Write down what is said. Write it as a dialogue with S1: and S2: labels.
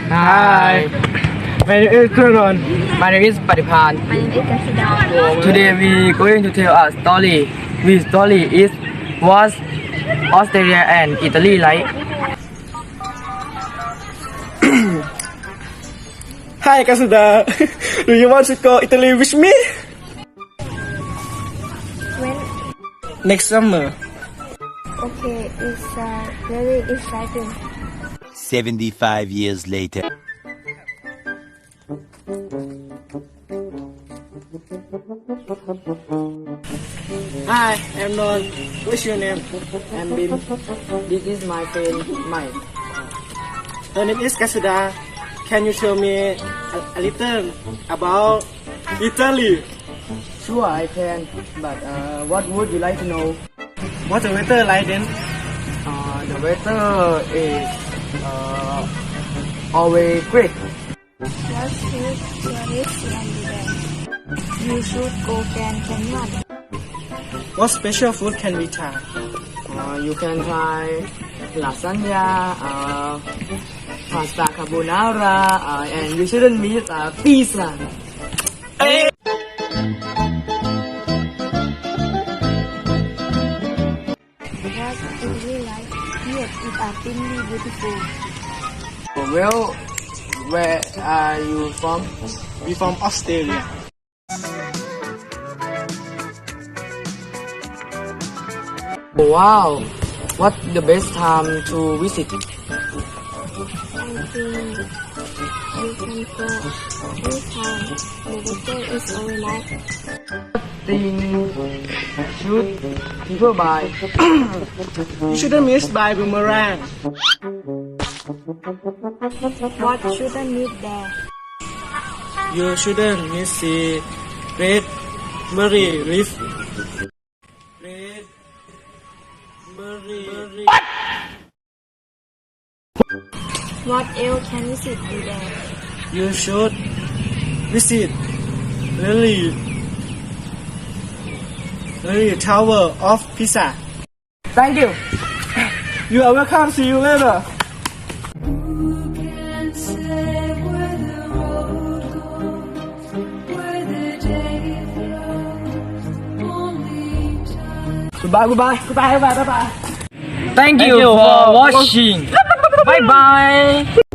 S1: Hi. My name is Kuron. My name is Padipan.
S2: My name is Kasida.
S1: Today we going to tell a story. This story is was Australia and Italy like.
S3: Hi Kasuda, do you want to go Italy with me?
S2: When
S3: Next summer.
S2: okay, it's very exciting.
S4: 75 years later.
S3: Hi, I'm Non. What's your name?
S1: And Bin. This is my friend Mike.
S3: Her name is Kasuda. Can you tell me a little about Italy?
S1: Sure, I can. But what would you like to know?
S3: What's the weather like then?
S1: The weather is always great.
S2: What should tourists and there? You should go Grand Canyon.
S3: What special food can we try?
S1: You can try lasagna, pasta carbonara, and you shouldn't miss pizza.
S2: What do you like? Yes, it are really beautiful.
S1: Well, where are you from?
S3: We from Australia.
S1: Wow, what's the best time to visit?
S2: I think you can go anytime. The weather is very nice.
S1: Thing should people buy?
S3: You shouldn't miss by boomerang.
S2: What shouldn't meet there?
S3: You shouldn't miss the red berry leaf. Red berry.
S2: What else can we see there?
S3: You should visit Lily Tower of Pisa.
S1: Thank you.
S3: You are welcome. See you later.
S5: Can't say where the road goes, where the day flows, only time.
S1: Goodbye. Thank you for watching. Bye bye.